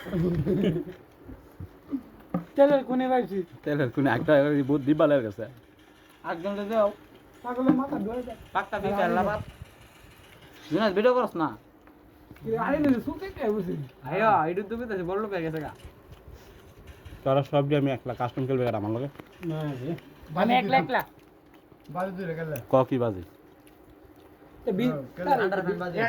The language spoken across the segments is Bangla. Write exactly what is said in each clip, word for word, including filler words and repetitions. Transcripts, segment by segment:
তেলের কোনে পাইছি তেলের কোনে একটা বহুত দিবালের কাছে একজন দাও পাগলের মাথা ধরে যায় পাক্কা বিকার লাবাত জুনাস ভিডিও করছ না আরে না সুতে কে বসে আইয়া ইডু তুমি তো বড় লোক হয়ে গেছে গা তোরা সব দিয়ে আমি একলা কাস্টম খেলবে আর আমার লগে না রে আমি একলা একলা বাজে তুই গেলে ক কি বাজি তে বি আন্ডার ফ্যান বাজে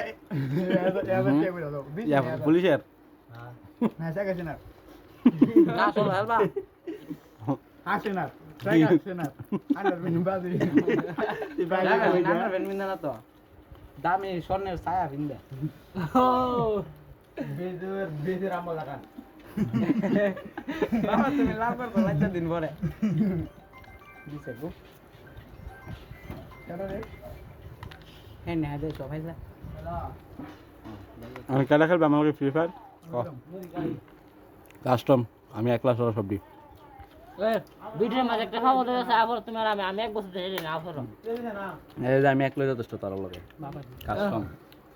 ইয়া পুলিশের না সাকাছে না না চল হেলবা আসে না সাকাছে না আন্ডার বিন বাজে এই বাইরে কই আন্ডার ফ্যান মিন্দা না তো দামি স্বর্ণের ছায়া ভিন্দা ও বেজর বেজর আমল লাগান বাবা তুমি লাভ করতে লাইটা দিন পরে দিছে গো কেন রে হ্যাঁ না দে সবাই যা আমি কেলা খেলবে আমার লগে ফ্রি ফায়ার কাস্টম আমি একলা সরা সব দিই ভিডিওর মাঝে একটা খবর দিয়েছে আবার তুমি আর আমি আমি এক বছর ধরে না আবার এই যে আমি একলাই যথেষ্ট তার লগে কাস্টম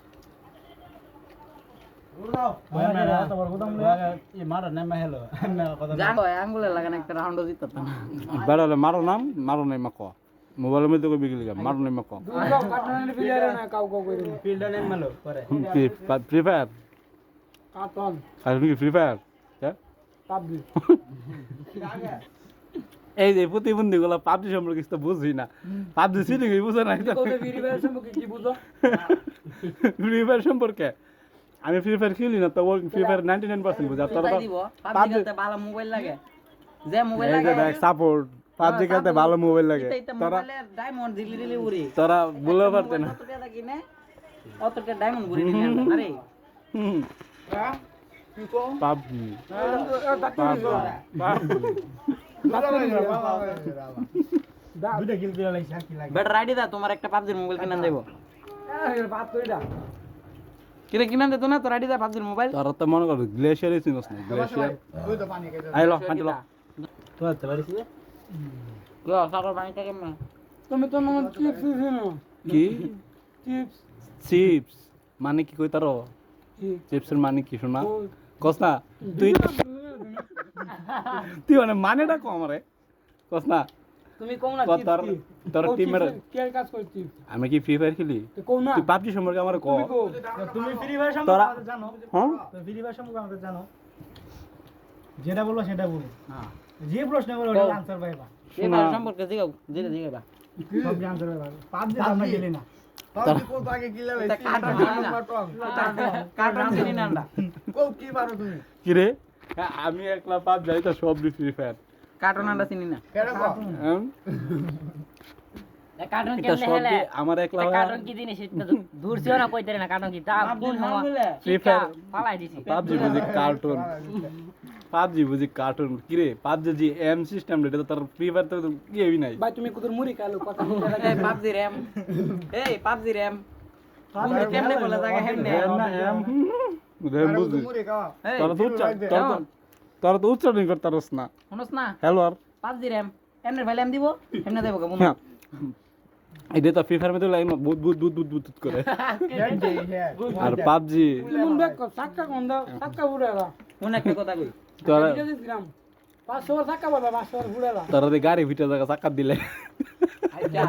জানো আঙ্গুলে লাগান একটা রাউন্ড দিত বেড়ালে মারো নাম মারো নাই মা ক মোবাইলের মধ্যে কই বিগলি মারো নাই মা ক দুটো কাটনের প্লেয়ার না কাউ কাউ কইরে ফিল্ডার নেম মালো পরে ফ্রি ফায়ার কাটন আর তুমি ফ্রি ফায়ার হ্যাঁ পাবজি এই যে প্রতিবন্ধী গুলা পাবজি সম্পর্কে কিছু বুঝি না পাবজি সিলিং বুঝে না কবে ভিডিও সম্পর্কে কি বুঝো ফ্রি ফায়ার সম্পর্কে আমি ফ্রি ফায়ার খেলি না তো ও free fire ninety nine percent বুঝে আর তোরা তো দিব পাবজি খেলতে ভালো মোবাইল লাগে যে মোবাইল এই যে লাগে দেখ সাপোর্ট পাবজি খেলতে ভালো মোবাইল লাগে এটা তোরা মোবাইলে ডায়মন্ড দিলি দিলি উড়ি তোরা বলতে পারতে না কত টাকা কিনে অতটা ডায়মন্ড ঘুরে নিলে আরে হুম হ্যাঁ কি কো পাবজি দুইটা কিল করে লাইছি কি লাগে বেটার আইডি দা তোমার একটা পাবজির মোবাইল কিনে দেব এই বাত কইরা কিরে কিনে দে তো না তোর আইডি দা পাবজির মোবাইল তোরা তো মনে কর গ্লেশিয়ারই চিনস না গ্লেশিয়ার ওই তো পানি খাইতে আইলো হাঁটিলো তো আতে পারিস কি সাগর পানি থেকে মে তুমি তো মনে চিপস দিনো কি চিপস চিপস মানে কি কই তারো কি চিপসের মানে কি শোনা কস না তুই তুই মানে মানেটা কম রে কস না তুমি কোন না তোর তোর তোর টিমের কে কাজ করছিস আমি কি ফ্রি ফায়ার খেলি তো কোন না তুই পাবজি সম্পর্কে আমার ক তুমি ফ্রি ফায়ার তোরা- সম্পর্কে জানো হ্যাঁ তো ফ্রি ফায়ার সম্পর্কে আমাদের জানো যেটা বলবো সেটা বলো হ্যাঁ যে প্রশ্ন বলো ওটা আনসার পাইবা এই ভাই সম্পর্কে জিগাও জিরে জিগাবা সব আনসার পাইবা পাবজি আমরা খেলি না তোরা- এটা কার্টুন চিনি না কার্টুন চিনি না আমরা কি রে হ্যাঁ, আমি একলা পাব যাই তো সব ফ্রি ফায়ার কার্টুন আমরা চিনি না হ্যাঁ? কার্টুন এটা কেমনে সব হেলে দিয়ে আমার একলা হয়ে- কার্টুন কি জিনিস এটা তো দূর ছিল না কইতে না কার্টুন কি তা কোন হওয়া Free শিক্ষা Fire- পালাই দিছি পাবজি বুঝি কার্টুন পাবজি বুঝি কার্টুন কি রে পাবজি জি এম সিস্টেম রে এটা তো তার ফ্রি ফায়ার তো কি হবি নাই ভাই তুমি কুদুর মুড়ি খালো কথা বলতে লাগে এই পাবজি র‍্যাম এই পাবজি র‍্যাম তুমি কেমনে বলে জায়গা হেমনে এম না এম রেম বুঝি এই তোরা তো উচ্চারণ তোরা তো তোরা তো উচ্চারণ করতারস না শুনছ না হ্যালো আর পাবজি র‍্যাম এমনে ভাই ল্যাম দিব এমনে দেব কেমন হ্যাঁ। এটা তো ফ্রি ফায়ার মধ্যে লাগে না বুত বুত বুত বুত বুত করে আর পাবজি তুমি দেখ সাক্কা গন্ধ সাক্কা বুড়ালা কোন একটা কথা কই তোরা এটা দিলাম পাঁচশো সাক্কা বাবা পাঁচশো বুড়ালা তোরা তো গাড়ি ভিতরে জায়গা চাকা দিলে আচ্ছা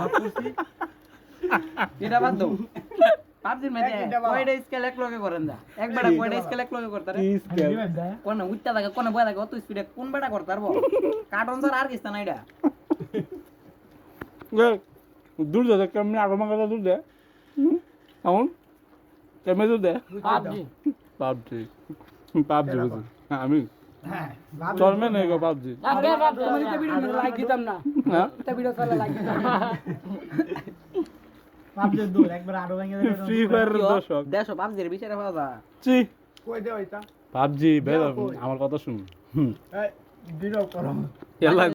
এটা বাদ দাও পাবজির মধ্যে কয়টা স্কেল এক লগে করেন দা একবার কয়টা স্কেল এক লগে করতারে কোন উচ্চা থাকে কোন বয়া থাকে অত স্পিডে কোন বেটা করতারব কার্টুন স্যার আর কিস্তা না এটা দূর যা কেমনি আগো মাগা দূর দে এখন কেমনে দূর দে পাবজি পাবজি পাবজি বুঝি হ্যাঁ, আমি চলবে না গো পাবজি আগে পাবজি তুমি তো ভিডিও লাইক দিতাম না হ্যাঁ এটা ভিডিও চালা লাইক দিতাম না পাবজি দূর একবার আরো ভেঙে দেবে ফ্রি ফায়ার দর্শক দেশো পাবজির বিচারে পাওয়া যায় চি কই দে ওইটা পাবজি বের আমার কথা শুন হুম এই ভিডিও করো এলা